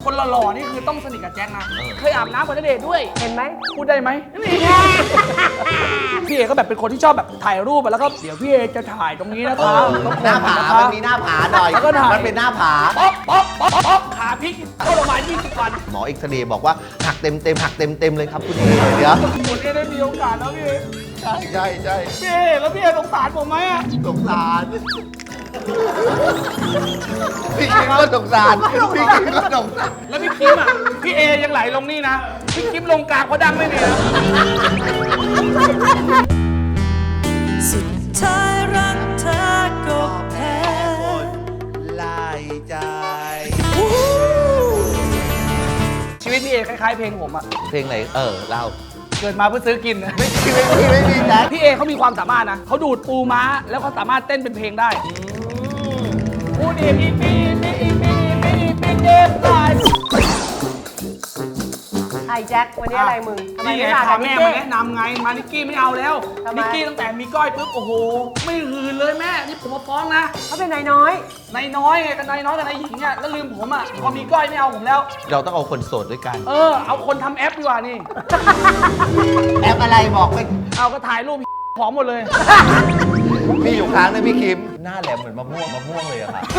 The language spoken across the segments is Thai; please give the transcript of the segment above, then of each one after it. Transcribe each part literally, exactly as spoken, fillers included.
คนหล่อๆนี่คือต้องสนิทกับแจ็คนะเคยอาบน้ำกับณเดชน์ด้วยเห็นไหมพูดได้ไหมพี่เอก็แบบเป็นคนที่ชอบแบบถ่ายรูปแล้วก็เดี๋ยวพี่เอจะถ่ายตรงนี้นะคะหน้าผามันมีหน้าผาหน่อยมันเป็นหน้าผาป๊อกป๊อกป๊อกป๊อกขาพลิกเข้าโรงพยาบาลยี่สิบวันหมอเอ็กซเรย์บอกว่าหักเต็มเต็มหักเต็มเต็มเลยครับคุณเอเดี๋ยวคุณเอได้มีโอกาสแล้วพี่เอใช่ใช่ใช่พี่เอแล้วพี่เอสงสารผมไหมอะสงสารพี่คิมก็สงสารพี่คิมก็สงสารแล้วพี่คิมอ่ะพี่เอยังไหลลงนี่นะพี่คิมลงกลางเพราะดังไม่เนี่ยสุดท้ายรักเธอก็แพ้ไล่ใจชีวิตพี่เอคล้ายๆเพลงผมอะเพลงไหนเออเล่าเกิดมาเพื่อซื้อกินนะไม่ไม่ไม่ไม่มีนะพี่เอเขามีความสามารถนะเขาดูดปูม้าแล้วเขาสามารถเต้นเป็นเพลงได้พูดอีกอีกปีปีอีกปีปีอีกปีเจ็บตายไอ้แจ็ควันนี้อะไรมึงนี่ไงพาแม่มาแนะนำไงมานิกกี้ไม่เอาแล้วนิกกี้ตั้งแต่มีก้อยปุ๊บโอ้โหไม่หืนเลยแม่นี่ผมมาฟ้องนะเขาเป็นนายน้อยนายน้อยไงกับนายน้อยกับนายหญิงเนี่ยแล้วลืมผมอ่ะพอมีก้อยไม่เอาผมแล้วเราต้องเอาคนโสดด้วยกันเออเอาคนทำแอปดีกว่านี่แอปอะไรบอกไปเอาก็ถ่ายรูปผอมหมดเลยมีอยู่ครั้งนึงพี่คิมหน้าแหลมเหมือนมะม่วงมะม่วงเลยอะค่ะ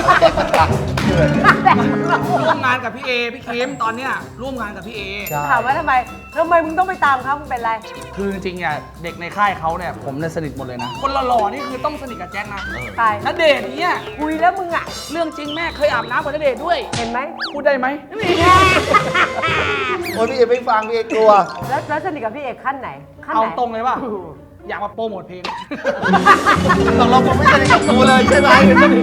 ร่วมงานกับพี่เอพี่คิมตอนเนี้ยร่วมงานกับพี่เอถามว่าทำไมทำไมมึงต้องไปตามเขามึงเป็นไรคือจริงๆอ่ะเด็กในค่ายเขาเนี่ยผมเนี่ยสนิทหมดเลยนะคนหล่อๆนี่คือต้องสนิทกับแจ็คนะใช่ณเดชน์เนี่ยคุยแล้วมึงอ่ะเรื่องจริงแม่เคยอาบน้ำกับณเดชน์ด้วยเห็นไหมพูดได้ไหมโอ้ยพี่เอไม่ฟังพี่เอกลัวแล้วแล้วสนิทกับพี่เอกขั้นไหนเอาตรงเลยป่ะอยากมาโปรโมทเพลงตกลงผมไม่สนิทกับกูเลยใช่ไหม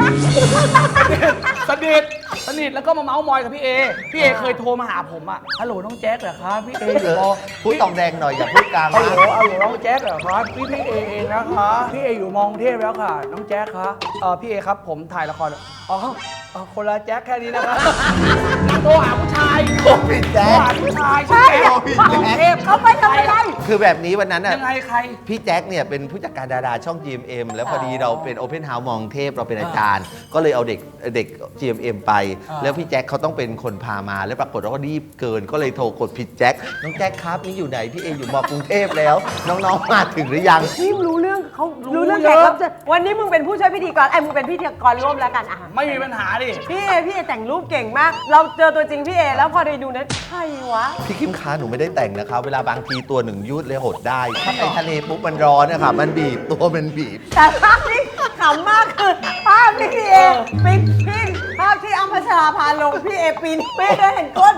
สนิทสนิทแล้วก็มาเมาส์มอยกับพี่เอพี่เอเคยโทรมาหาผมอ่ะฮัลโหลน้องแจ๊คเหรอครับพี่เออยู่พูดตองแดงหน่อยอย่าพูดกลางฮัลโหลฮัลโหลน้องแจ๊คเหรอครับพี่พี่เอเองนะคะพี่เออยู่มองเทพแล้วค่ะน้องแจ๊คคะเออพี่เอครับผมถ่ายละครอ๋อคนละแจ๊คแค่นี้นะครับโทรหาผู้ชายโทรผิดแจ๊คโทรหาผู้ชายใช่โทรผิดแจ๊คเขาไปทำอะไรคือแบบนี้วันนั้นอ่ะยังไงใครพี่แจ๊คเนี่ยเป็นผู้จัดการดาราช่อง จี เอ็ม เอ็ม แล้วพอดีเราเป็น Open House มองเทพเราเป็นอาจารย์ก็เลยเอาเด็กเด็ก จี เอ็ม เอ็ม ไปแล้วพี่แจ็คเขาต้องเป็นคนพามาแล้วปรากฏว่าก็รีบเกินก็เลยโทรกดผิดแจ็คน้องแจ็คครับนี่อยู่ไหนพี่เออยู่มอกรุงเทพแล้วน้องๆมาถึงหรือยังนี่รู้เรื่องเขารู้เรื่องแขกรับเชิญวันนี้มึงเป็นผู้ช่วยพิธีกรไอ้มึงเป็นพิธีกรร่วมแล้วกันอ่ะไม่มีปัญหาดิพี่เอพี่เอแต่งรูปเก่งมากเราเจอตัวจริงพี่เอแล้วพอได้ดูนั้นใครวะพี่คิมค้าหนูไม่ได้แต่งนะครับเวลาบางทีตัวหนึ่งยืดเลยหดได้ถ้าไปทะเลปุ๊บมันร้อนนะครับมันบีบตัวมันบีบแต่ภาพนี้ขำมากคือภาพที่พี่เอปีนปีนภาพที่อัมพัชราพาลงพี่เอปีนปีนได้เห็นก้น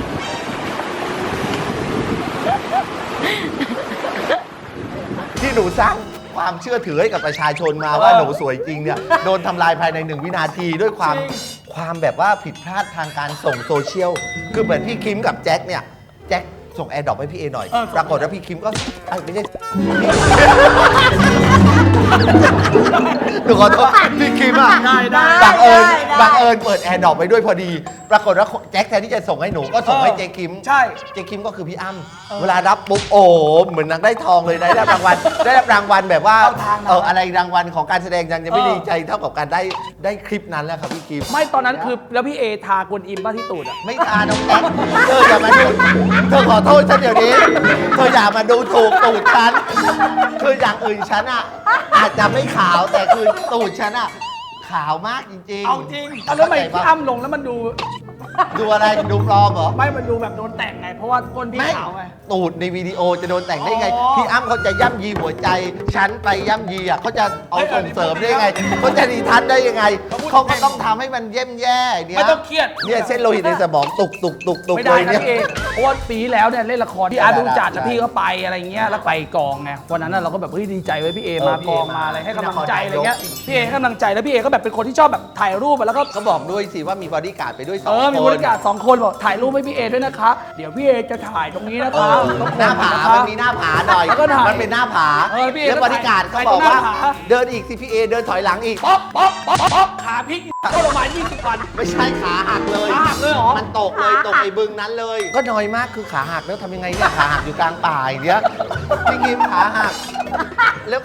ที่หนูสร้างความเชื่อถือให้กับประชาชนมาว่าหนูสวยจริงเนี่ยโดนทำลายภายในหนึ่งวินาทีด้วยความความแบบว่าผิดพลาดทางการส่งโซเชียลคือเหมือนพี่คิมกับแจ็คเนี่ยแจ็คส่งแอร์ดรอปให้พี่เอหน่อยปรากฏว่าพี่คิมก็ไม่ใช่หนูขอโทษพี่คิมอ่ะบังเอิญบังเอิญเปิดแอร์ดรอปไปด้วยพอดีปรากฏว่าแจ็คแทนที่จะส่งให้หนูก็ส่งให้เจคิมใช่เจคิมก็คือพี่อ้ำเวลารับปุ๊บโอ้เหมือนนางได้ทองเลยได้รับรางวัลได้รับรางวัลแบบว่าเอออะไรรางวัลของการแสดงยังจะไม่ดีใจเท่ากับการได้ได้คลิปนั้นแล้วครับพี่คิมไม่ตอนนั้นคือแล้วพี่เอทากวนอิมบ้าที่ตูดอ่ะไม่ทาน้องแจ็คเธออย่ามาดูเธอขอโทษฉันเดี๋ยวนี้เธออย่ามาดูถูกตูดฉันคืออย่างอื่นฉันอ่ะอาจจะไม่ขาวแต่คือตูดฉันอ่ะขาวมากจริงๆเอาจริงแล้วทำไมพี่อ้ำลงแล้วมันดูดูอะไรดูปลอมเหรอไม่มันดูแบบโดนแต่งไงเพราะว่าก้นพี่ขาวไงตูดในวิดีโอจะโดนแต่งได้ไงพี่อ้ำเขาจะย่ำยีหัวใจฉันไปย่ำยีอ่ะเขาจะเอาส่งเสริมได้ยังไงเขาจะดีทัศน์ได้ยังไงเขาก็ต้องทำให้มันเย่มแย่เนี่ยไม่ต้องเครียดเนี่ยเส้นโลหิตในสมองตุกตุกตุกตุกไม่ได้นะพี่เอเพราะว่าปีแล้วเนี่ยเล่นละครที่อาร์ตดูจัดแล้วพี่ก็ไปอะไรเงี้ยแล้วไปกองไงวันนั้นเราก็แบบเฮ้ยดีใจไว้พี่เอมากองมาอะไรให้กำลังใจอะไรเงี้ยพี่เอให้กำลังใจแล้วพี่เอก็แบบเป็นคนที่ชอบแบบถ่ายรูปแล้วก็เขาบอกด้วยสิว่ามีบอดี้การ์ดไปด้วยสองคนเออมีบอดี้การ์ดสองคนบอกถ่ายรูปให้พี่เอด้วยนะคะเดี๋ยวพี่เอจะถ่ายตรงนี้นะคะหน้าผามันมีหน้าผาหน่อยมันเป็นหน้าผาแล้วบริการเขาบอกว่าเดินอีกสิพี่เอเดินถอยหลังอีกป๊อกป๊อกป๊อกป๊อกขาพลิกเข้าโรงพยาบาลยี่สิบวันไม่ใช่ขาหักเลยขาหักเลยเหรอมันตกเลยตกไอ้บึงนั้นเลยก็น้อยมากคือขาหักแล้วทำยังไงเนี่ยขาหักอยู่กลางป่าอย่างเงี้ยพี่กิมขาหักแล้ว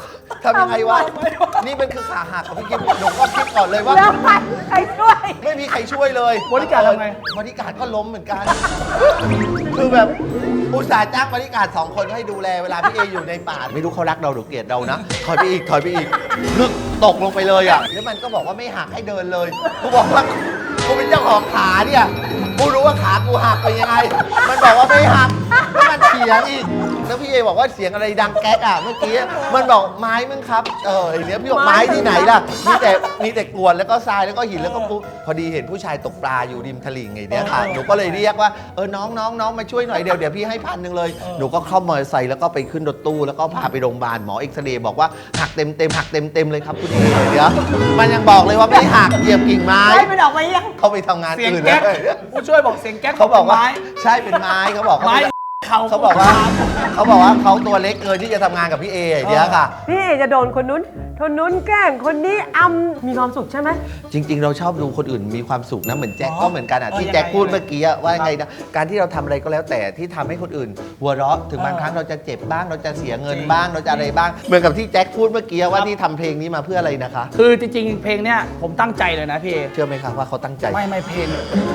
ทำยังไงวะนี่มันคือขาหักของพี่กิ๊ฟหนูก็คิดก่อนเลยว่าแล้วใครช่วยไม่มีใครช่วยเลยบริการทำไงบริการก็ล้มเหมือนกัน คือแบบอุตส่าห์จ้างบริการสองคนให้ดูแลเวลาพี่เออยู่ในป่าไม่รู้เขารักเราหรือเกลียดเรานะถอยไปอีกถอยไปอีกนึกตกลงไปเลยอ่ะแล้วมันก็บอกว่าไม่หักให้เดินเลยกูบอกว่ากูเป็นเจ้าของขาเนี่ยกูรู้ว่าขากูหักไปยังไง มันบอกว่าไม่หักแล้วมันเถียงอีกแล้วพี่เอบอกว่าเสียงอะไรดังแก๊กอ่ะเมื่อกี้มันบอกไม้มึงครับเออไอเนี้ยพี่บอกไม้ที่ไหนล่ะมีแต่มีแต่กรวดแล้วก็ทรายแล้วก็หินแล้วก็ปุ๊บพอดีเห็นผู้ชายตกปลาอยู่ริมตลิ่งไงเนี่ยค่ะหนูก็เลยเรียกว่าเออน้องน้องน้องมาช่วยหน่อยเดี๋ยวเดี๋ยวพี่ให้พันหนึ่งเลยหนูก็เข้ามอเตอร์ไซค์แล้วก็ไปขึ้นรถตู้แล้วก็พาไปโรงพยาบาลหมอเอ็กซเรย์บอกว่าหักเต็มเต็มหักเต็มเต็มเลยครับคุณเอเดี๋ยวมันยังบอกเลยว่าไม่หักเหยียบกิ่งไม้ให้มันออกมายังเขาไปทำงานเสียงอื่นแก๊แล้กวผู้ช่วยบอกเสียงแก๊กเขาบอกว่าไม้ใช่เป็นไม้เขาบอกไม้เขาเขาเขาบอกว่าเขาบอกว่าเขาตัวเล็กเกินที่จะทำงานกับพี่เออย่างเดียวค่ะพี่เอจะโดนคนนู้นคนนู้นแกล้งคนนี้อำมีความสุขใช่ไหมจริง ๆ เราชอบดูคนอื่นมีความสุขนะเหมือนแจ็คอ๋อก็เหมือนกันอ่ะเออที่ยังไงแจ็คพูดยังไงเมื่อกี้อะว่าไงนะการที่เราทำอะไรก็แล้วแต่ที่ทำให้คนอื่น หัวเราะถึงบางเออครั้งเราจะเจ็บบ้างเราจะเสียเงินจริงบ้างเราจะอะไรบ้าง เหมือนกับที่แจ็คพูดเมื่อกี้ว่าครับที่ทำเพลงนี้มาเพื่ออะไรนะคะคือจริงๆ เพลงเนี้ยผมตั้งใจเลยนะพี่เอเชื่อไหมคะว่าเขาตั้งใจไม่ไม่เพลง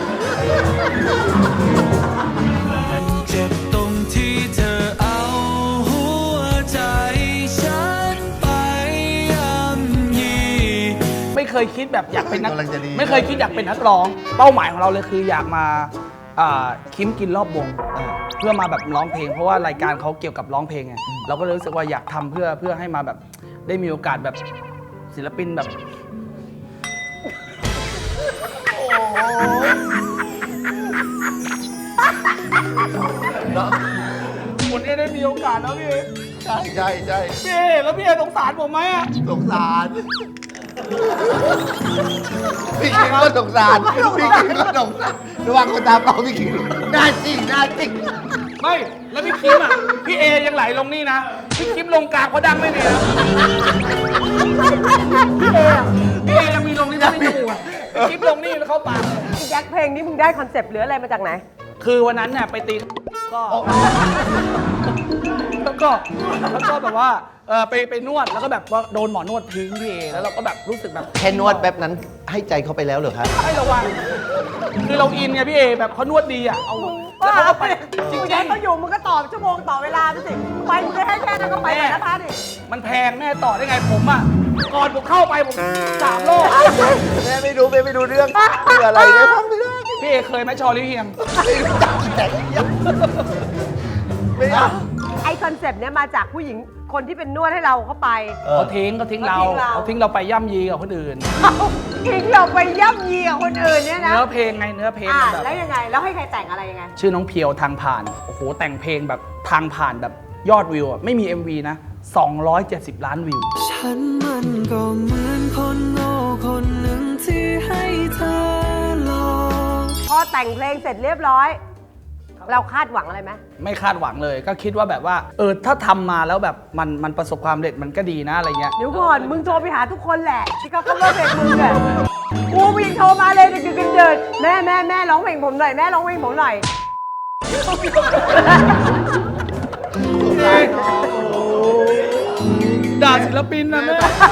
เจ็บตรงที่เธอเอาหัวใจฉันไปย่ำยีไม่เคยคิดแบบอยากเป็นนักกำลังจะดีไม่เคยคิดอยากเป็นนักร้อง เป้าหมายของเราเลยคืออยากมาอ่าคิมกินรอบวงเออเพื่อมาแบบร้องเพลง เพราะว่ารายการเขาเกี่ยวกับร้องเพลงไงเราก็เลยรู้สึกว่าอยากทำเพื่อเพื่อให้มาแบบได้มีโอกาสแบบศิลปินแบบเนาะคุณเอได้มีโอกาสแล้วพี่เอใช่ใช่ใช่พี่เอแล้วพี่เอสงสารผมไหมอะสงสารพี่คิงก็สงสารพี่คิงก็สงสารระวังคนตาเปล่าพี่คิงหน้าจริงหน้าจริงไม่แล้วพี่คิมอ่ะพี่เอยังไหลลงนี่นะพี่คิมลงกลางเขาดังไม่เนี่ยนะพี่เออะพี่เอยังมีลงนี่นะไม่จมูกอะพี่คิมลงนี่แล้วเข้าปากเลยพี่แจ็คเพลงนี้มึงได้คอนเซปต์หรืออะไรมาจากไหนคือวันนั้นเนี่ยไปตีก็แล้วก็แล้วก็แบบว่าเออไปไปนวดแล้วก็แบบว่าโดนหมอนวดทิ้งพี่เอแล้วเราก็แบบรู้สึกแบบแค่นวดแป๊บนั้นให้ใจเขาไปแล้วเหรอครับให้ระวังคือเราอินไงพี่เอแบบเขานวดดีอ่ะเอาแล้วเขาก็ไปจริมึงงให้เขาอยู่มึงก็ตอบชั่วโมงต่อเวลาไปสิไปมึงจะให้แค่นั้นก็ไปแต่ละท่าดิๆมันแพงแม่ต่อได้ไงผมอ่ะก่อนผมเข้าไปผมสามโลกแม่ไม่รู้แม่ไม่รู้เรื่องคืออะไรเลยฟังไม่ได้พี่เอเคยไหมชอลิเฮียงไม่รู้จักแต่เดียวไม่เอาไอคอนเซปต์เนี้ยมาจากผู้หญิงคนที่เป็นนวดให้เราเข้าไปเออเขาทิ้งเขาทิ้งเราเขาทิ้งเราเขาทิ้งเราไปย่ำยีกับคนอื่นทิ้งเราไปย่ำยีกับคนอื่นเนี่ยนะเนื้อเพลงไงเนื้อเพลงอ่ามันแบบแล้วยังไง แล้วให้ใครแต่งอะไรยังไงชื่อน้องเพียวทางผ่านโอ้โหแต่งเพลงแบบทางผ่านแบบยอดวิวอะไม่มี เอ็ม วี นะ สองร้อยเจ็ดสิบ ล้านวิวฉันมันก็เหมือนคนโง่คนหนึ่งที่ให้เธอลองพอแต่งเพลงเสร็จเรียบร้อย เราคาดหวังอะไรไหมไม่คาดหวังเลย ก็คิดว่าแบบว่าเออถ้าทำมาแล้วแบบมันมันประสบความสำเร็จมันก็ดีนะอะไรเงี้ยเดี๋ยวก่อน มึงโทรไปหาทุกคนแหละที่เขา cover เพลงมึงอะกูมึงยังโทรมาเลยดึกๆเดินๆแม่แม่แม่ร้องเพลงผมหน่อยแม่ร้องเพลงผมหน่อยด่าศิลปินนะแม่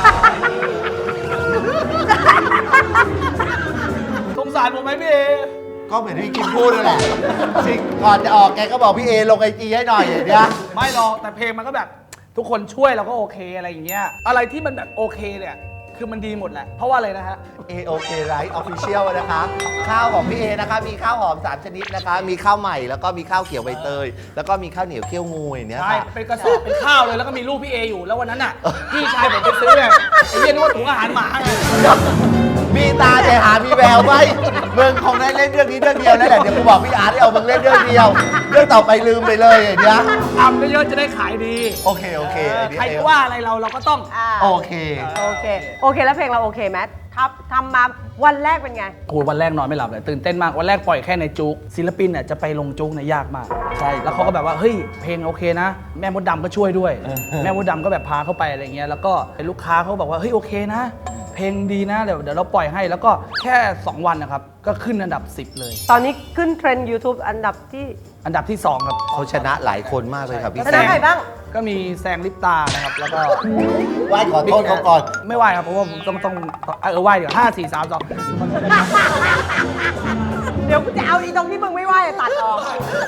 สงสารผมไหมพี่เอก็เหมือนที่กินพูดนั่นแหละจริงก่อนจะออกแกก็บอกพี่เอลงไอจีให้หน่อยอย่างเงี้ยไม่หรอกแต่เพลงมันก็แบบทุกคนช่วยเราก็โอเคอะไรอย่างเงี้ยอะไรที่มันแบบโอเคเนี่ยคือมันดีหมดแหละเพราะว่าอะไรนะฮะเอโอเคไรท์ออฟฟิเชียลนะคะ ข้าวของพี่เอนะคะ มีข้าวหอมสามชนิดนะคะ มีข้าวใหม่แล้วก็มีข้าวเขียวใบเตย แล้วก็มีข้าวเหนียวเคี่ยวงูอย่างเนี้ยใช่ค่ะเป็นกระสอบเป็นข้าวเลยแล้วก็มีรูปพี่เออยู่แล้ววันนั้นน่ะพี่ชายผมไปซื้อเนี่ยไอ้เหี้ยนึกว่าถุงอาหารหมาไงมีตาแต่หามีแววไว้มึงคงได้เล่นเรื่องนี้เรื่องเดียวนั่นแหละเดี๋ยวกูบอกพี่อาร์ตให้เอามึงเล่นเรื่องเดียว เรื่องต่อไปลืมไปเลยอย่างเงี้ยทำเยอะๆจะได้ขายดีโอเคโอเคเออไอ้นี่ใครจะว่าอะไรเราเราก็ต้องอ่าโอเคโอเค โอเค แล้วเพลงเราโอเคไหมครับทำมาวันแรกเป็นไงโอ้ยวันแรกนอนไม่หลับเลยตื่นเต้นมากวันแรกปล่อยแค่ในจุกศิลปินเนี่ยจะไปลงจุกเนี่ยยากมากใช่แล้วเขาก็แบบว่าเฮ้ยเพลงโอเคนะ แม่มดดำก็ช่วยด้วย แม่มดดำก็แบบพาเข้าไปอะไรเงี้ยแล้วก็ลูกค้าเขาบอกว่าเฮ้ยโอเคนะ เพลงดีนะเดี๋ยวเดี๋ยวเราปล่อยให้แล้วก็แค่สองวันนะครับก็ขึ้นอันดับสิบเลยตอนนี้ขึ้นเทรนด์ YouTube อันดับที่อันดับที่สองครับเขาชนะหลายคนมากเลยครับพี่ชนะใครบ้างก็มีแซงลิปตานะครับแล้วก็ไหว้ขอโทษเขาก่อนไม่ไหวครับเพราะว่าผมต้องต้องเออไหวเดี๋ยวห้าสี่สามสองเดี๋ยวกูจะเอาอีตรงที่มึงไม่ไหวอะตัดออก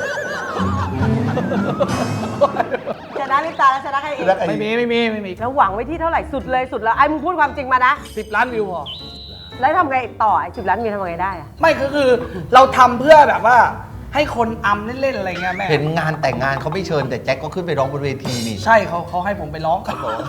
ชนะลิปตาแล้วชนะใครอีกชนะใครไม่มีไม่มีไม่มีแล้วหวังไว้ที่เท่าไหร่สุดเลยสุดแล้วไอ้มึงพูดความจริงมานะสิบล้านวิวพอแล้วทำไงต่อไอ้สิบล้านมีทำไงได้อะไม่คือคือเราทำเพื่อแบบว่าให้คนอำเล่นๆอะไรเงี้ยแม่เห็นงานแต่งงานเขาไม่เชิญแต่แจ็คก็ขึ้นไปร้องบนเวทีนี่ใช่เขาเขาให้ผมไปร้องครับผม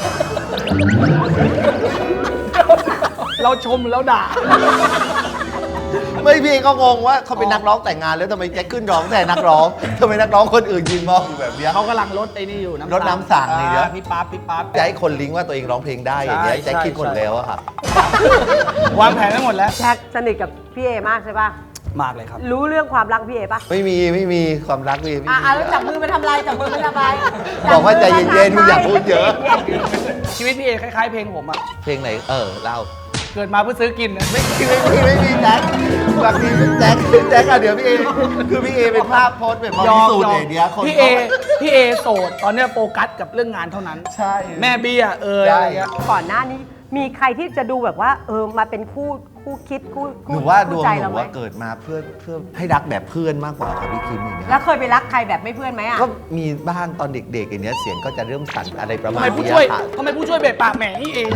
เราชมแล้วด่าไม่พี่ก็งงว่าเขาเป็นนักร้องแต่งงานแล้วทำไมแจ็คขึ้นร้องแต่นักร้องทำไมนักร้องคนอื่นยืนมองอยู่แบบเนี้ยเขากำลังลดไอ้นี่อยู่ลดน้ำสั่งนี่เดี๋ยวอ่าพี่ป๊าบพี่ป๊าบจะให้คนลิงก์ว่าตัวเองร้องเพลงได้อย่างเงี้ยใช่แจ็คคิดหมดใช่แล้วอะค่ะวางแผนไว้หมดแล้วแจ็คสนิทกับพี่เอมากใช่ป่ะมากเลยครับรู้เรื่องความรักพี่เอป่ะไม่มีไม่มีความรักไม่มีอ่ะอ่ะแล้วจับมือไปทำอะไรจับมือไปทำอะไรบอกว่าใจเย็นๆคุณอย่าพูดเยอะชีวิตพี่เอคล้ายๆเพลงผมอะเพลงไหนเออเล่าเกิดมาเพื่อซื้อกินนะไม่มีไม่มีไม่มีแจ็คบางทีแจ็คแจ็คอะเดี๋ยวพี่เอคือพี่เอเป็นภาพโพสต์แบบบริสุทธิ์อย่างเดียวคนพี่เอพี่เอโสดตอนเนี้ยโฟกัสกับเรื่องงานเท่านั้นใช่แม่เบี้ยเออใช่อะไรเงี้ยก่อนหน้านี้มีใครที่จะดูแบบว่าเออมาเป็นคู่คู่คิดคู่หคู่นูว่าดวงคู่ใจหเรานูไหมว่าเกิดมาเพื่อเพื่อให้รักแบบเพื่อนมากกว่าครับพี่คิมอย่างเงี้ยแล้วเคยไปรักใครแบบไม่เพื่อนไหมอ่ะก็มีบ้างตอนเด็กๆอย่างเงี้ยเสียงก็จะเริ่มสั่นอะไรประทำมาณไมผู้นี้ช่วยค่ะทำไมผู้ช่วยเบะปากแหมนี่เอง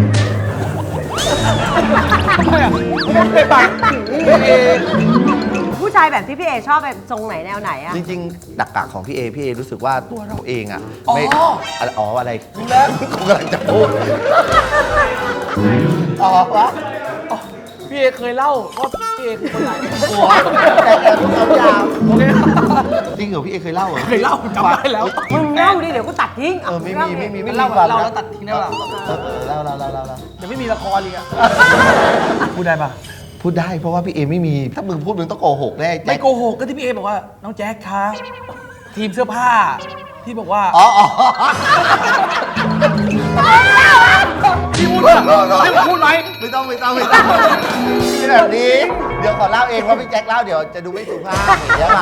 ทำไมอ่ะเบะปากนี่เองผู้ชายแบบที่พี่เอชอบแบบทรงไหนแนวไหนอ่ะจริงๆดักกะของพี่เอพี่เอรู้สึกว่าตัวเราเองอ่ะอ๋อไม่อะไรอ๋ออะไรรู้แล้วกูกำลังจะพูดอ๋อวะอ๋อพี่เอเคยเล่าว่าพี่เอคือคนไหนหัวแต่แอบเอายาวโอเคจริงเหรอพี่เอเคยเล่าเหรอเคยเล่าจำได้แล้วมึงเล่าดิเดี๋ยวกูตัดทิ้งเออไม่มีไม่มีไม่มีเล่าความเล่าลับแล้วตัดทิ้งได้ป่ะเออเออเล่าเล่าเล่าเล่าเล่าเดี๋ยวไม่มีละครเลยอะพูดได้ปะพูดได้เพราะว่าพี่เอไม่มีถ้ามึงพูดมึงต้องโกหกแน่ไม่แจ็คโกหกก็ที่พี่เอบอกว่าน้องแจ๊คคะทีมเสื้อผ้าพี่บอกว่าอ๋ออ๋อพี่พูดเหรอให้ผมพูดไหมไม่ต้องไม่ต้องไม่ต้องมีแบบนี้เดี๋ยวขอเล่าเองเพราะพี่แจ็คเล่าเดี๋ยวจะดูไม่สุภาพอย่างเงี้ยค่ะ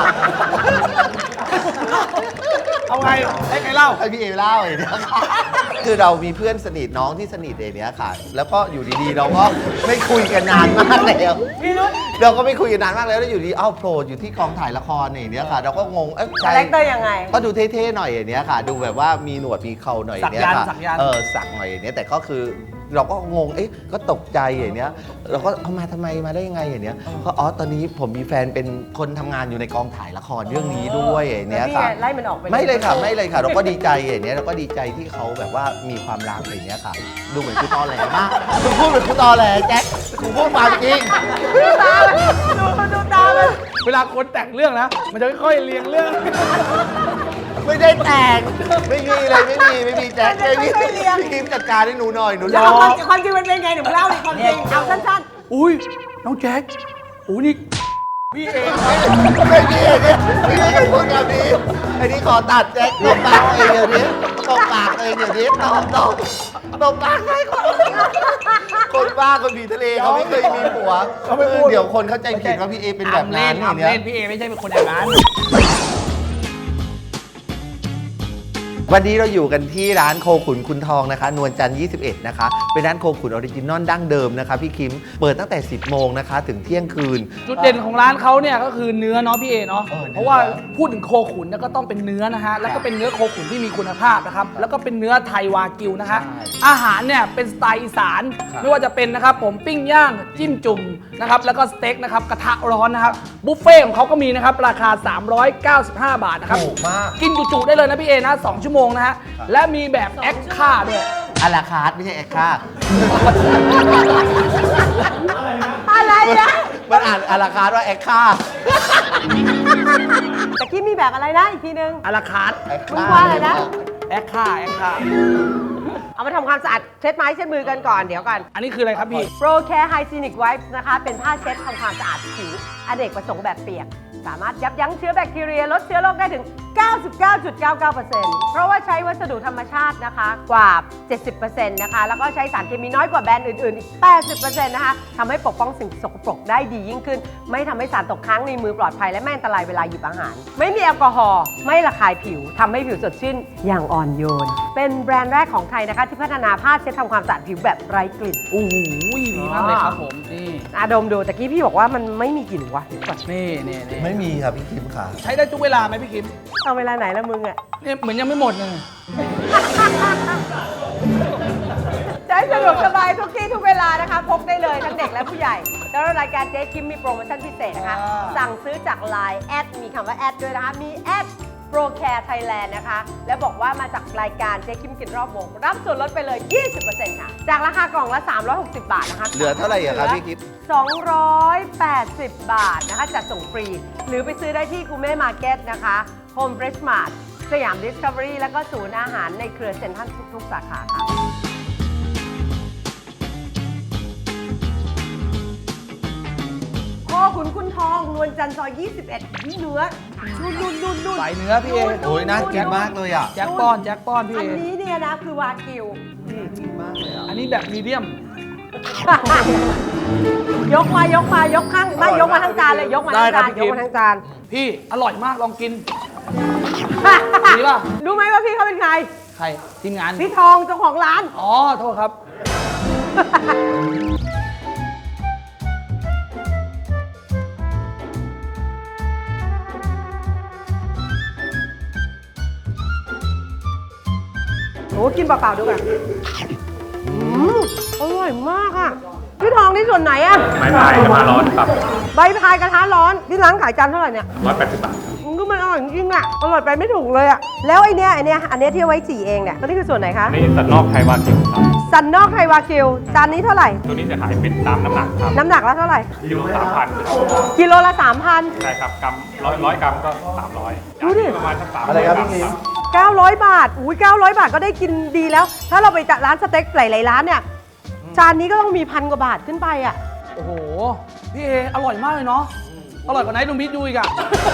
เอาไงให้ใครเล่าให้พี่เอเล่าอย่างเงี้ยค่ะคือเรามีเพื่อนสนิทน้องที่สนิทอย่างเนี้ยค่ะ แล้วก็อยู่ดีๆ เราก็ไม่คุยกันนานมากแล้วพี่รุ้เราก็ไม่คุยกันนานมากแล้วแล้วอยู่ดีเอ้าโผล่อยู่ที่กองถ่ายละครอย่างเนี้ยค่ะ เราก็งงเอ้ยคาแรคเตอร์ยังไงก็ดูเท่ๆหน่อยอย่างเนี้ยค่ะ ดูแบบว่ามีหนวดมีเขาหน่อยอย่างเนี้ยค่ะสักยันต์สักยันต์เออสักหน่อยอย่างเนี้ยแต่ก็คือเราก็งงเอ๊ะก็ตกใจอย่างเนี้ยเราก็เอามาทำไมมาได้ยังไงอย่างเนี้ยก็อ๋อตอนนี้ผมมีแฟนเป็นคนทำงานอยู่ในกองถ่ายละครเรื่องนี้ด้วยอย่างแล้เนี้วย พี่ค่ะไล่มันออกไปไม่เลยค่ะไม่เลยค่ะ เราก็ดีใจอย่างเนี้ยเราก็ดีใจที่เขาแบบว่ามีความรักอย่างเนี้ยค่ะ ดูเหมือนกูตอแหลมากคุณพูดเหมือนกูตอแหลแจ็คกูพูดความจริงดูตามันดูดูตามันเวลาคนแต่งเรื่องนะ มันจะค่อยๆเรียงเรื่องไม่ได้แต่งไม่มีเลยไม่มีไม่มีแจ็คไม่มีพี่คิมจัดการให้หนูหน่อยหนูแล้วความจริงความจริงมันเป็นไงหนูเล่าดิความจริงเอาสั้นอุ้ยน้องแจ็คอุ้ยนี่พี่เองไม่มีไอ้เนี่ยไม่มีใครพูดแบบนี้ไอ้นี่ขอตัดแจ็คตบปากเองเดี๋ยวนี้ตบปากเองเดี๋ยวนี้ตบตบตบปากให้คนคนบ้าคนผีทะเลเขาไม่เคยมีผัวเดี๋ยวคนเข้าใจผิดว่าพี่เอเป็นแบบนั้นออ่ำย่างเล่เนี้นยพี่เอไม่ใช่เป็นคนอย่างนั้นวันนี้เราอยู่กันที่ร้านโคขุนคุณทองนะคะ นวลจันทร์ยี่สิบเอ็ดนะคะ เป็นร้านโคขุนออริจินอลดั้งเดิมนะคะพี่คิม เปิดตั้งแต่ สิบโมงนะคะ ถึงเที่ยงคืนจุดเด่นของร้านเขาเนี่ยก็คือเนื้อเนาะพี่เอเนาะเออเนื้อเพราะว่าพูดถึงโคขุนเนี่ยก็ต้องเป็นเนื้อนะฮะ แล้วก็เป็นเนื้อโคขุนที่มีคุณภาพนะครับ แล้วก็เป็นเนื้อไทยวากิวนะฮะใช่อาหารเนี่ยเป็นสไตล์อีสานครับไม่ว่าจะเป็นนะครับผมปิ้งย่างจิ้มจุ่มนะครับ แล้วก็สเต็กนะครับกระทะร้อนนะครับ บุฟเฟ่ต์ของเขาก็มีนะครับราคา สามร้อยเก้าสิบห้า บาทนะครับถูกมากกินจุๆได้เลยนะพี่เอนะสองชั่วโมงนะฮะ และมีแบบแอคค่าด้วยอาราคาร์ทไม่ใช่แอคค่าๆอะไรนะมันอ่านอาราคาร์ทว่าแอคค่าตะกี้มีแบบอะไรนะอีกทีนึงอาราคาร์ทแอคมึค่างว่าอะไรนะแอคค่าแอคค่าเอามาทำความสะอาดเช็ดไม้เช็ดมือกันก่อนเดี๋ยวก่อนอันนี้คืออะไรครับพี่ Pro Care Hygienic Wipes นะคะ เป็นผ้าเช็ดทำความสะอาดผิวอเนกประสงค์แบบเปียก สามารถยับยั้งเชื้อแบคทีเรีย ลดเชื้อโรคได้ถึงเก้าสิบเก้าจุดเก้าเก้าเปอร์เซ็นต์ เพราะว่าใช้วัสดุธรรมชาตินะคะกว่า เจ็ดสิบเปอร์เซ็นต์ นะคะ แล้วก็ใช้สารเคมีน้อยกว่าแบรนด์อื่นๆอีก แปดสิบเปอร์เซ็นต์ นะคะทำให้ปกป้องสิ่งสกปรกได้ดียิ่งขึ้น ไม่ทำให้สารตกค้างในมือปลอดภัยและไม่อันตรายเวลาหยิบอาหาร ไม่มีแอลกอฮอล์ไม่ระคายผิวทำให้ผิวสดชื่นอย่างอ่อนโยน เป็นแบรนด์แรกของไทยนะคะที่พัฒนาผ้าเช็ดทำความสะอาดผิวแบบไร้กลิ่นโอ้โหดีมากเลยครับผมนี่อาดมดูตะกี้พี่บอกว่ามันไม่มีกลิ่นวะเดี๋ยวก่อนนี่นี่นี่ไม่มีครับพี่คิมค่ะใช้ได้ทุกเวลาไหมพี่คิมเอาเวลาไหนละมึงอะเนี่ยเหมือนยังไม่หมดเลยใช้สะดวกสบายทุกที่ทุกเวลานะคะพกได้เลยทั้งเด็กและผู้ใหญ่แล้วรายการเจ๊คิมมีโปรโมชั่นพิเศษนะคะอ่าสั่งซื้อจาก ไลน์ แอดมีคำว่าแอดด้วยนะคะมีแอด ProCare Thailand นะคะ แล้วบอกว่ามาจากรายการเจ๊คิมกินรอบวงรับส่วนลดไปเลย ยี่สิบเปอร์เซ็นต์ ค่ะ จากราคากล่องละ สามร้อยหกสิบ บาทนะคะเหลือเท่าไหร่อะครับพี่คิมสองร้อยแปดสิบ บาทนะคะจัดส่งฟรี หรือไปซื้อได้ที่กูเม่มาร์เก็ตนะคะ Home Fresh Mart สยาม Discovery แล้วก็ศูนย์อาหารในเครือเซ็นทรัลทุกๆสาขาค่ะ พ่อขุนคุณทองนวลจันทร์ซอย ยี่สิบเอ็ดนี่เนื้อนุ่นนุ่นนุ่นนุ่นใส่เนื้อพี่เอโอ้ยน่ากินมากเลยอ่ะแจ็คป้อนแจ็คป้อนพี่อัเอนนี้เนี่ยนะคือวากิวอันนี้แบบมีเดียมยกมายกมายกข้างไม่ยกมาทั้งจานเลยยกมาทั้งจานยกมาทั้งจานพี่อร่อยมากลองกิน ดีป่ะรู้ไหมว่าพี่เขาเป็นใครใครทีมงานพี่ทองเจ้าของร้านอ๋อ โทษครับโอ้กินเปล่าๆดูกันอืมอร่อยมากอ่ะ พี่ทองนี่ส่วนไหนอ่ะไม้พายกระทะร้อนครับใบพายกระทะร้อนที่ร้านขายจานเท่าไหร่เนี่ยร้อยแปดสิบบาทมันก็มันอร่อยจริงๆอ่ะอร่อยไปไม่ถูกเลยอ่ะ แล้วไอเนี้ยไอเนี้ยอันเนี้ยที่เอาไว้จี่เองเนี่ยตัวนี้คือส่วนไหนคะนี่สันนอกไทยวากิวครับสันนอกไทยวากิวจานนี้เท่าไหร่ตัวนี้จะขายเป็นตามน้ำหนักครับน้ำหนักแล้วเท่าไหร่กิโลสามพันกิโลละสามพันใช่ครับกรัมร้อยร้อยกรัมก็สามร้อยดูดิประมาณสักสามอะไรครับพี่คิมเก้าร้อยบาท อุ้ยเก้าร้อยบาทก็ได้กินดีแล้ว ถ้าเราไปจัดร้านสเต็กหลายๆร้านเนี่ย จานนี้ก็ต้องมีพันกว่าบาทขึ้นไปอ่ะโอ้โห พี่เออร่อยมากเลยเนาะ อร่อยกว่าไหนดูมิดดูอีกอะ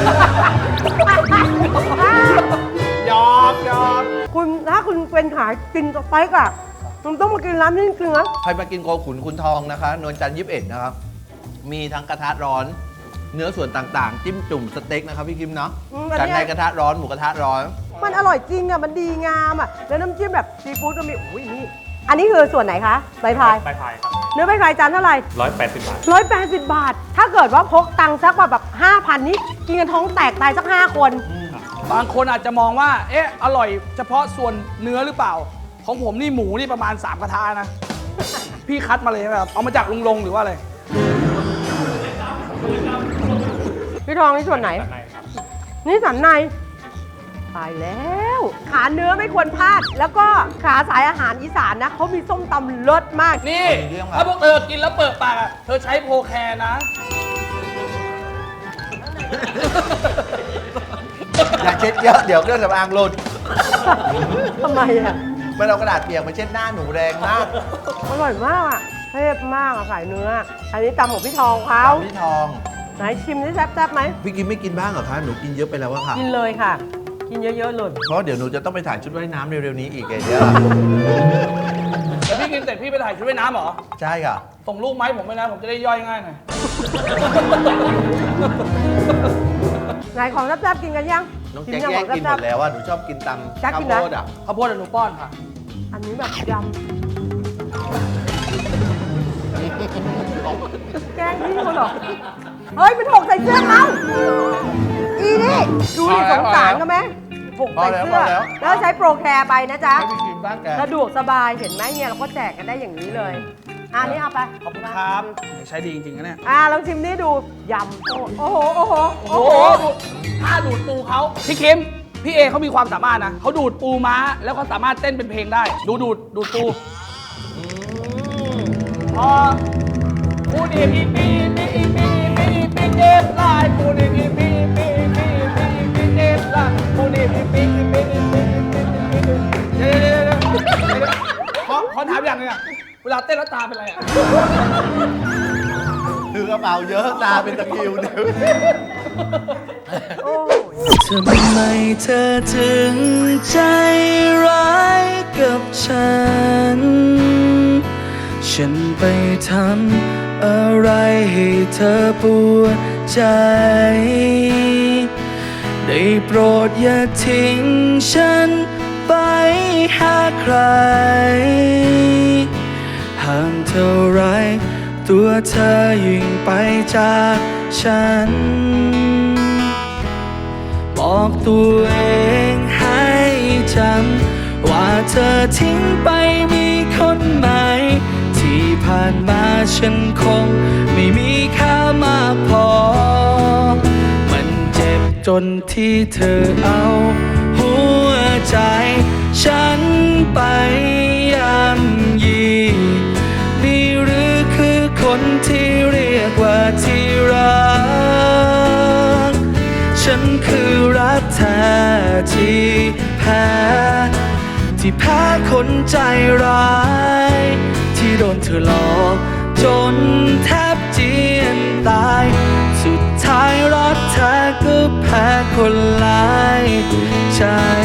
หยอกหยอกคุณถ้าคุณเป็นขายกินสเต็กอ่ะคุณต้องมากินร้านนี้จริงๆนะใครมากินโคขุนคุณทองนะคะ นวลจันทร์ยี่สิบเอ็ดนะครับ มีทั้งกระทะร้อน เนื้อส่วนต่างๆ จิ้มจุ่มสเต็กนะครับพี่คิมเนาะอืมอันกันเนี้ในยกระทะร้อน หมูกระทะร้อนมันอร่อยจริงอ่ะ มันดีงามอ่ะ แล้วน้ำจิ้มแบบซีฟู้ดก็มีอุ้ยนี่ อันนี้คือส่วนไหนคะใบพายไม้พายครับเนื้อใบพายจานเท่าไหร่ร้อยแปดสิบบาทร้อยแปดสิบบาท ถ้าเกิดว่าพกตังค์สักแบบห้าพันนี่กินกันท้องแตกตายสักห้าคนบางคนอาจจะมองว่า เอ๊ะ อร่อยเฉพาะส่วนเนื้อหรือเปล่า ของผมนี่หมูนี่ประมาณสามกระทะนะ พี่คัดมาเลยใช่ไหมครับ เอามาจากลุงลงหรือว่าอะไรพี่ทองนี่ส่วนไหนด้านในครับนี่สันในตายแล้ว ขาเนื้อไม่ควรพลาด แล้วก็ขาสายอาหารอีสานนะเขามีส้มตำเลิศมากนี่มีเรื่องอะไรถ้าพวกเธอกินแล้วเปิดปากอะเธอใช้โพแคร์นะอย่าเช็ดเยอะ เดี๋ยวเครื่องสำอางหล่นทำไมอ่ะมันเอากระดาษเปียกมาเช็ดหน้าหนูแรงมากอร่อยมากอ่ะเทพมากอ่ะสายเนื้อ อันนี้ตำของพี่ทองเขาพี่ทองไหนชิมนี่แซ่บๆไหมพี่กินไม่กินบ้างเหรอคะ หนูกินเยอะไปแล้วอะค่ะกินเลยค่ะ กินเยอะๆเลยเพราะเดี๋ยวหนูจะต้องไปถ่ายชุดว่ายน้ำเร็วๆนี้อีกไงเดี๋ยวแล้วพี่กินเสร็จพี่ไปถ่ายชุดว่ายน้ำเหรอใช่ค่ะส่งรูปไหมาให้ผมไปนะ ผมจะได้ย่อยง่ายหน่อยไหนของแซ่บๆกินกันยังน้องชิแจ็คยังแย่ขงองกินหมแซ่บดแล้วว่าหนูชอบกินตำแจ็คข้าวกินโพนะดอ่ะข้าวโพดเดี๋ยวหนูป้อนค่ะๆอันนี้แบบยำแกงพี่เขาเหรอ เฮ้ยเป็นหกใส่เสื้อเขาอีนี่ดูดิพอแล้วสงสารเขาไหมหกใส่เสื้อพอแล้วพอแล้วแล้วใช้โปรแคร์ไปนะจ๊ะให้พี่กินบ้างแกสะดวกสบายเห็นไหมเนี่ยเราก็แจกกันได้อย่างนี้เลยอะอันนี้เอาไปขอบคุณครับใช้ดีจริงๆนะเนี่ยอ่าลองชิมนี่ดูยำโอ้โหโอ้โหโอ้โหดูถ้าดูดปูเขาพี่คิมพี่เอเขามีความสามารถนะเขาดูดปูม้าแล้วก็สามารถเต้นเป็นเพลงได้ ดูดูดดูดปูพอปูดีปีปีปีปีปีปีเดฟไลน์ปูดีปีปีปีปีปีปีเดฟไลน์ปูดีปีปีปีปีปีปีปีเดี๋ยวเดี๋ยวเดี๋ยวขอขอถามอย่างหนึงอะเวลาเต้นแล้วตาเป็นไรอะถือกระเป๋าเยอะตาเป็นตะคริวเดี๋ยวโอ้ยทำไมเธอถึงใจร้ายกับฉัน ฉันไปทำอะไรให้เธอปวดใจ ได้โปรดอย่าทิ้งฉันไปหาใคร ห่างเท่าไรตัวเธอยิ่งไปจากฉัน บอกตัวเองให้จำว่าเธอทิ้งไปมีคนใหม่ ที่ผ่านมาฉันคงไม่มีค่ามากพอ มันเจ็บจนที่เธอเอาหัวใจฉันไปย่ำยีนี่หรือคือคนที่เรียกว่าที่รัก ฉันคือรักแท้ที่แพ้ที่แพ้คนใจร้าย ที่โดนเธอหลอกจนแทบเจียนตาย สุดท้ายรักแท้ก็แพ้คนหลายใจ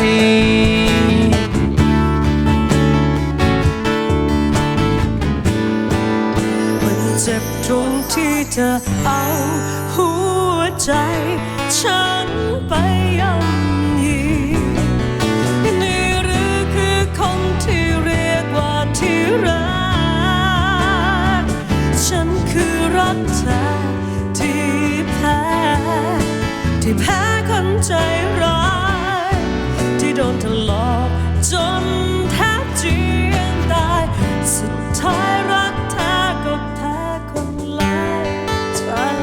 มันเจ็บตรงที่เธอเอาหัวใจฉันไปย่ำยีนี่หรือคือคนที่เรียกว่าที่รัก ฉันคือรักแท้ที่แพ้ที่แพ้คนใจร้ายที่โดนเธอหลอกจนแทบเจียนตาย สุดท้ายรักแท้ก็แพ้คนหลายใจ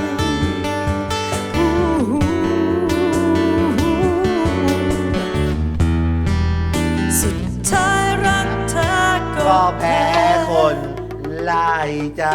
สุดท้ายรักเธอก็แพ้คนไล่ใจ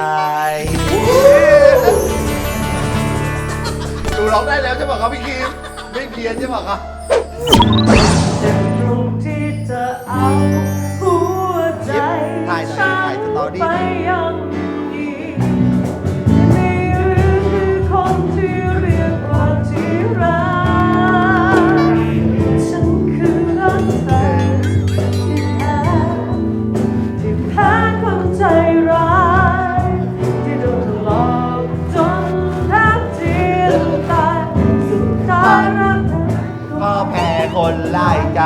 ดูร้องได้แล้วใช่ไหมครับพี่คิมไม่เพี้ยนใช่ไหมครับเจ็บตรงที่เธอเอาหัวใจถ่ายหน่อยถ่ายสตอรี่ไปย่ำยีนี่หรือคือคนที่เรียกว่าที่รัก ฉันคือรักแท้ที่แพ้ที่แพ้คนใจร้ายที่โดนหลอกจนแทบเจียนตาย สุดท้ายรักแท้ก็แพ้คนไล่ใจ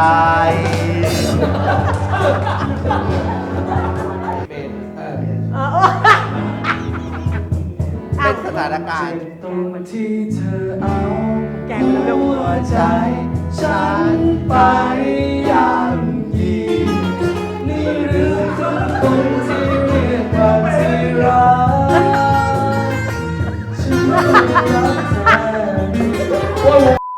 เป็นสถานการณ์ตรงที่เธอเอาแกงมันเร็วหัวใจฉันไปย่ำยีนี่หรือทุกคนที่เรียกว่าที่รัก ฉันคือรักเธอ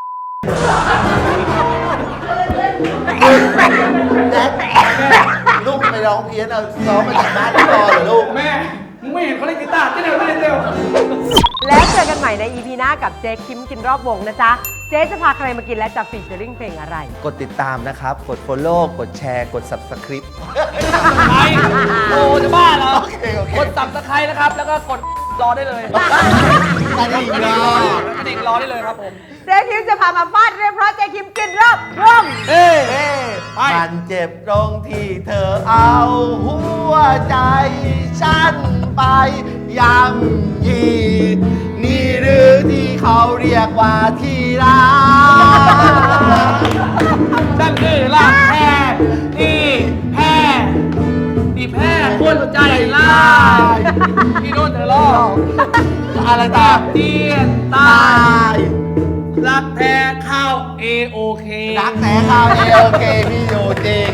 ลูกไปร้องเพี้ยนเอาซ้อมมาจากบ้านที่รอเหรอลูกแม่ มึงไม่เห็นเขาเล่นกีตาร์เต้นเร็วเต้นเร็วแล้วเจอกันใหม่ใน อี พี หน้ากับเจ๊คิมกินรอบวงนะจ๊ะ เจ๊จะพาใครมากินและจะฟีเจอริ่งเพลงอะไรกดติดตามนะครับ กด follow กดแชร์ กด subscribe ใครโอ้จะบ้าเหรอโอเคโอเคกดสับตะไคร้นะครับ แล้วก็กดรอได้เลยกระดิ่งรอกระดิ่งรอได้เลยครับผมเจ๊คิมจะพามาฟาดเรียบเพราะเจ๊คิมกินรอบวงเอ้ยเอ้ไปมันเจ็บตรงที่เธอเอาหัวใจฉันไปย่ำยีนี่หรือที่เขาเรียกว่าที่รักนั่นคือลากแพ้ที่แพ้ที่แพ้คนใจร้ายที่โดนเธอลอกอะไรแทต่อบเจียนตาตาย ยรักแท้เข้า เอ โอ เครักแท้ข้าวเอโอเคมีอยู่จริง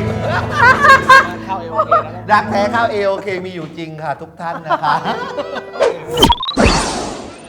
เข้า เอ โอ เคแล้วรักแท้ข้าวเอโอเคมีอยู่จริงค่ะทุกท่านนะคะ